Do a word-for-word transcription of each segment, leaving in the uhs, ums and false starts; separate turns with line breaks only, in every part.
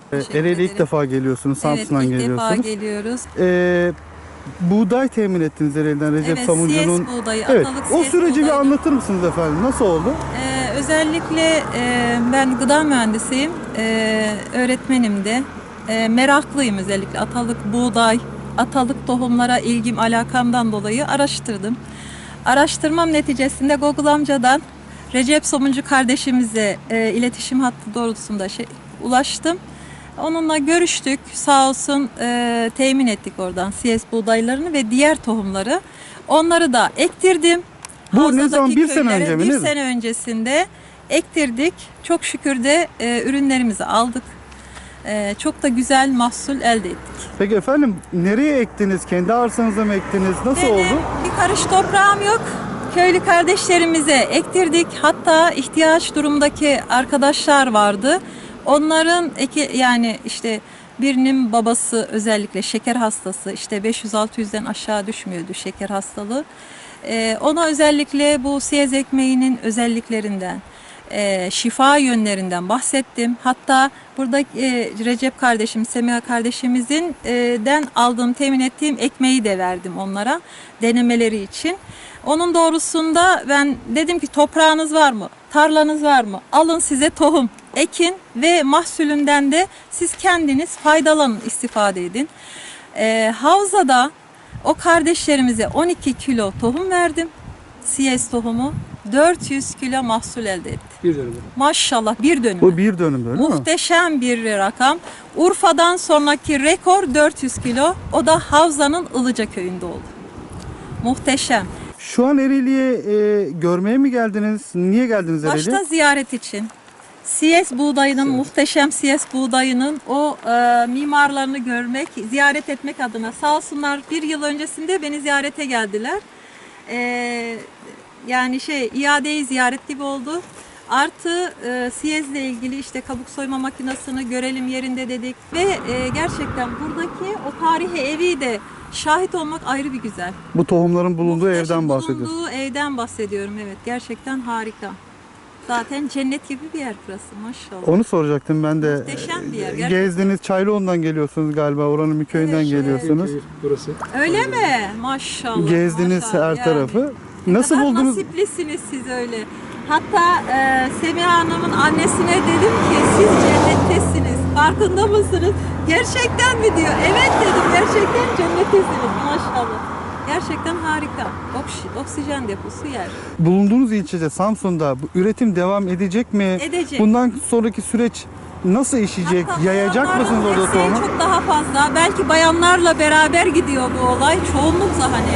Teşekkür
Ereğli'ye ilk
ederim.
defa geliyorsunuz, Samsun'dan
Evet, ilk
geliyorsunuz.
defa geliyoruz.
Ee, buğday temin ettiniz Ereğli'den Recep
Evet,
Samuncu'nun.
C S buğdayı,
Evet,
atalık
o
C S
süreci bir
buğdayını.
anlatır mısınız efendim? Nasıl oldu?
Ee, özellikle e, ben gıda mühendisiyim, e, öğretmenim de. E, meraklıyım özellikle atalık buğday, atalık tohumlara ilgim, alakamdan dolayı araştırdım. Araştırmam neticesinde Google amcadan Recep Somuncu kardeşimize e, iletişim hattı doğrultusunda şey, ulaştım. Onunla görüştük. Sağ olsun e, temin ettik oradan C S buğdaylarını ve diğer tohumları. Onları da ektirdim.
Bu ne
Havzadaki
zaman? Bir sene
köylere
önce mi,
Bir
ne?
sene öncesinde ektirdik. Çok şükür de e, ürünlerimizi aldık. E, çok da güzel mahsul elde ettik.
Peki efendim, nereye ektiniz? Kendi arsanıza mı ektiniz? Nasıl
Benim
oldu?
bir karış toprağım yok. Köylü kardeşlerimize ektirdik. Hatta ihtiyaç durumdaki arkadaşlar vardı. Onların eki, yani işte birinin babası özellikle şeker hastası, işte beş yüz altı yüzden aşağı düşmüyordu şeker hastalığı. Ee, ona özellikle bu siyez ekmeğinin özelliklerinden, e, şifa yönlerinden bahsettim. Hatta burada e, Recep kardeşim, Semiha kardeşimizin e, den aldığım, temin ettiğim ekmeği de verdim onlara denemeleri için. Onun doğrusunda ben dedim ki toprağınız var mı? Tarlanız var mı? Alın size tohum, ekin ve mahsulünden de siz kendiniz faydalanın, istifade edin. E, havzada o kardeşlerimize on iki kilo tohum verdim. C S tohumu. dört yüz kilo mahsul elde etti.
Bir dönüm.
Maşallah, bir dönüm.
Bu bir dönüm öyle mi?
Muhteşem bir rakam. Urfa'dan sonraki rekor dört yüz kilo. O da Havza'nın Ilıca köyünde oldu. Muhteşem.
Şu an Ereğli'ye e, görmeye mi geldiniz? Niye geldiniz Ereğli'ye?
Başta ziyaret için. C S buğdayının, muhteşem C S buğdayının o e, mimarlarını görmek, ziyaret etmek adına. Sağ olsunlar, bir yıl öncesinde beni ziyarete geldiler. E, yani şey, iadeyi ziyaret gibi oldu. Artı e, C S ile ilgili işte kabuk soyma makinesini görelim yerinde dedik. Ve e, gerçekten buradaki o tarihi evi de şahit olmak ayrı bir güzel.
Bu tohumların bulunduğu
Muhteşem
evden bahsediyorsunuz.
Bulunduğu evden bahsediyorum, evet. Gerçekten harika. Zaten cennet gibi bir yer burası, maşallah.
Onu soracaktım ben de.
Muhteşem bir yer,
E,
gerçekten.
Gezdiniz, Çaylıoğlu'ndan geliyorsunuz galiba. Oranın bir köyünden
Evet,
geliyorsunuz.
Köy burası.
Öyle mi? Maşallah.
Gezdiniz
maşallah.
her
Yani
tarafı.
ne
Nasıl
kadar
buldunuz?
nasiplisiniz siz öyle. Hatta e, Semiha Hanım'ın annesine dedim ki siz cennettesiniz. Farkında mısınız? Gerçekten mi diyor. Evet dedim, gerçekten cennettesiniz. Maşallah. Gerçekten harika. Oks- oksijen deposu yer.
Bulunduğunuz ilçede Samsun'da bu üretim devam edecek mi?
Edecek.
Bundan sonraki süreç nasıl işleyecek?
Hatta
Yayacak
bayanların
mısınız orada
desteği
tohumu?
çok daha fazla. Belki bayanlarla beraber gidiyor bu olay. Çoğunlukla hani.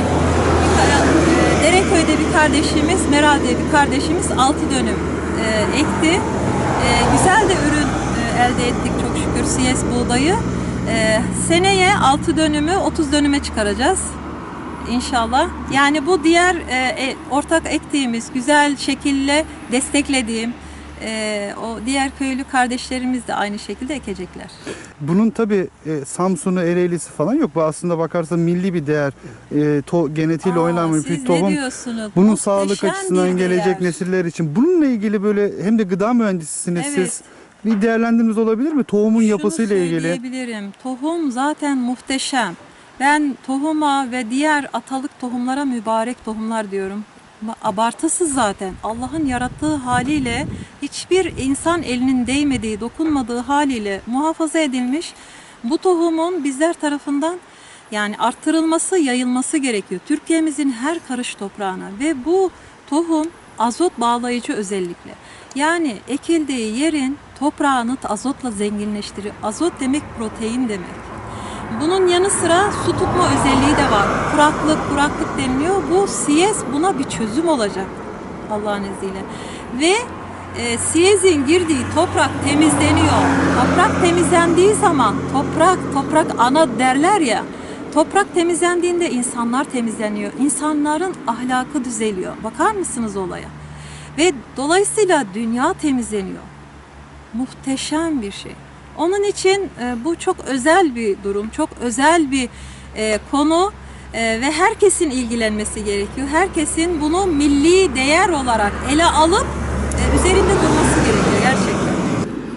Bir, e, Dereköy'de bir kardeşimiz, Meral diye bir kardeşimiz altı dönüm e, ekti. E, güzel de ürün e, elde ettik çok şükür C S buğdayı. E, seneye altı dönümü otuz dönüme çıkaracağız. İnşallah. Yani bu diğer e, e, ortak ektiğimiz, güzel şekilde desteklediğim e, o diğer köylü kardeşlerimiz de aynı şekilde ekecekler.
Bunun tabi e, Samsun'u, Ereğli'si falan yok. Bu aslında bakarsan milli bir değer. E, to, genetiğiyle
Aa,
oynanmış
siz
bir
ne
tohum.
diyorsunuz?
Bunun
Muhteşem
sağlık açısından
bir
gelecek
değer.
nesiller için. Bununla ilgili böyle hem de gıda mühendisisiniz
Evet.
siz. Bir değerlendirmeniz olabilir mi? Tohumun
Şunu
yapısıyla ilgili.
söyleyebilirim. Tohum zaten muhteşem. Ben tohuma ve diğer atalık tohumlara mübarek tohumlar diyorum. Ama abartısız zaten. Allah'ın yarattığı haliyle hiçbir insan elinin değmediği, dokunmadığı haliyle muhafaza edilmiş. Bu tohumun bizler tarafından yani arttırılması, yayılması gerekiyor. Türkiye'mizin her karış toprağına ve bu tohum azot bağlayıcı özellikle. Yani ekildiği yerin toprağını azotla zenginleştiriyor. Azot demek protein demek. Bunun yanı sıra su tutma özelliği de var. Kuraklık, kuraklık deniliyor. Bu C S buna bir çözüm olacak Allah'ın izniyle. Ve e, C S'in girdiği toprak temizleniyor. Toprak temizlendiği zaman, toprak, toprak ana derler ya. Toprak temizlendiğinde insanlar temizleniyor. İnsanların ahlakı düzeliyor. Bakar mısınız olaya? Ve dolayısıyla dünya temizleniyor. Muhteşem bir şey. Onun için e, bu çok özel bir durum, çok özel bir e, konu e, ve herkesin ilgilenmesi gerekiyor. Herkesin bunu milli değer olarak ele alıp e, üzerinde durması gerekiyor gerçekten.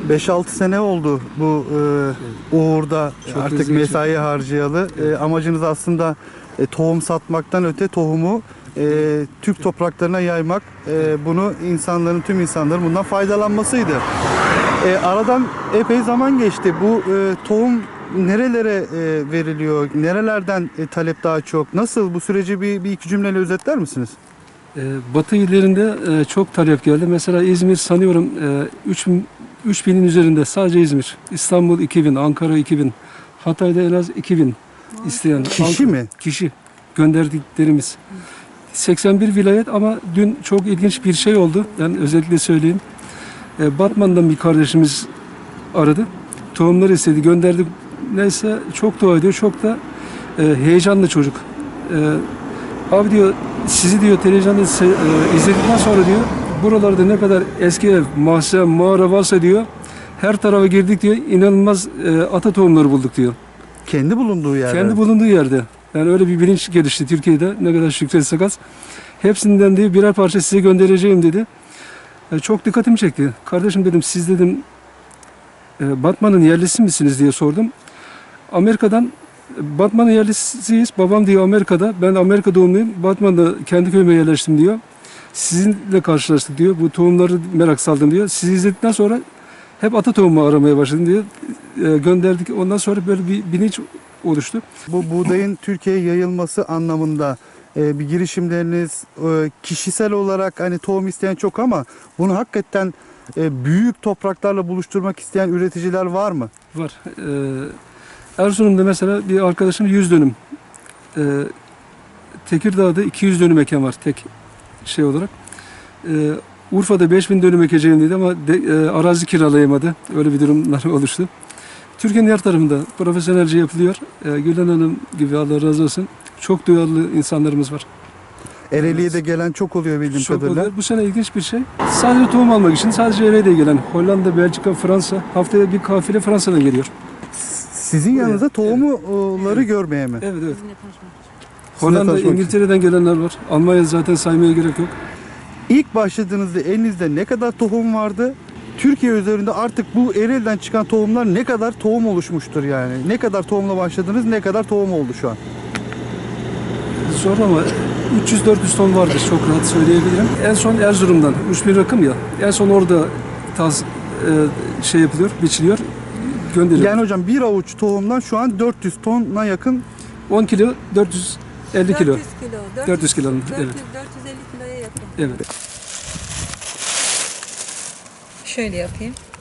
beş altı sene oldu bu e, uğurda
Çok
artık
hızlı
mesai
geçiyor.
harcayalı. E, amacınız aslında e, tohum satmaktan öte tohumu e, Türk topraklarına yaymak. E, bunu insanların, tüm insanların bundan faydalanmasıydı. E, aradan epey zaman geçti. Bu e, tohum nerelere e, veriliyor? Nerelerden e, talep daha çok? Nasıl? Bu süreci bir, bir iki cümleyle özetler misiniz?
Ee, Batı illerinde e, çok talep geldi. Mesela İzmir sanıyorum e, üç binin üzerinde sadece İzmir. İstanbul iki bin, Ankara iki bin, Hatay'da en az iki bin isteyen.
Kişi
Ankara-
mi?
Kişi gönderdiklerimiz. seksen bir vilayet ama dün çok ilginç bir şey oldu. Ben özellikle söyleyeyim. E, Batman'dan bir kardeşimiz aradı. Tohumları istedi, gönderdik. Neyse çok dua ediyor. Çok da e, heyecanlı çocuk. E, Abi diyor, sizi diyor televizyonda se- e, izledikten sonra diyor, buralarda ne kadar eski ev, mahzen, mağara varsa diyor, her tarafa girdik diyor, inanılmaz e, ata tohumları bulduk diyor.
Kendi bulunduğu yerde.
Kendi bulunduğu yerde. Yani öyle bir bilinç gelişti Türkiye'de, ne kadar şükretsek az. Hepsinden diyor birer parça size göndereceğim dedi. E, çok dikkatimi çekti. Kardeşim dedim, siz dedim e, Batman'ın yerlisi misiniz diye sordum. Amerika'dan Batman'ın yerlisiyiz. Babam diyor Amerika'da. Ben Amerika doğumluyum. Batman'da kendi köyüme yerleştim diyor. Sizinle karşılaştık diyor. Bu tohumları merak saldım diyor. Sizi izledikten sonra hep ata tohumu aramaya başladım diyor. E, gönderdik. Ondan sonra böyle bir bilinç oluştu.
Bu buğdayın Türkiye'ye yayılması anlamında e, bir girişimleriniz e, kişisel olarak hani tohum isteyen çok ama bunu hakikaten e, büyük topraklarla buluşturmak isteyen üreticiler var mı?
Var. E, Erzurum'da mesela bir arkadaşım yüz dönüm. E, Tekirdağ'da iki yüz dönüm eken var tek şey olarak. E, Urfa'da beş bin dönüm ekeceğim dedi ama de, e, arazi kiralayamadı. Öyle bir durumlar oluştu. Türkiye'nin her tarafında profesyonelce yapılıyor. E, Gülen Hanım gibi Allah razı olsun. Çok duyarlı insanlarımız var.
Ereğli'ye de gelen çok oluyor bildiğim
Çok
kadarıyla.
oluyor. Bu sene ilginç bir şey. Sadece tohum almak için sadece Ereğli'ye gelen Hollanda, Belçika, Fransa haftaya bir kafile Fransa'dan geliyor.
Sizin yanınızda tohumları görmeye mi?
Evet evet.
Sizinle tanışmak için.
Hollanda,
tanışmak için.
İngiltere'den gelenler var. Almanya zaten saymaya gerek yok.
İlk başladığınızda elinizde ne kadar tohum vardı? Türkiye üzerinde artık bu Ereğli'den çıkan tohumlar ne kadar tohum oluşmuştur yani? Ne kadar tohumla başladınız, ne kadar tohum oldu şu an?
Zor ama üç yüz dört yüz ton vardır, çok rahat söyleyebilirim. En son Erzurum'dan, üç bin rakım ya, en son orada taz, e, şey yapılıyor, biçiliyor, gönderiyor.
Yani hocam bir avuç tohumdan şu an dört yüz tona yakın.
on kilo, dört yüz elli kilo.
dört yüz kilo.
dört yüz kilo,
dört yüz,
evet.
dört yüz elli kiloya yakın.
Evet.
Şöyle yapayım.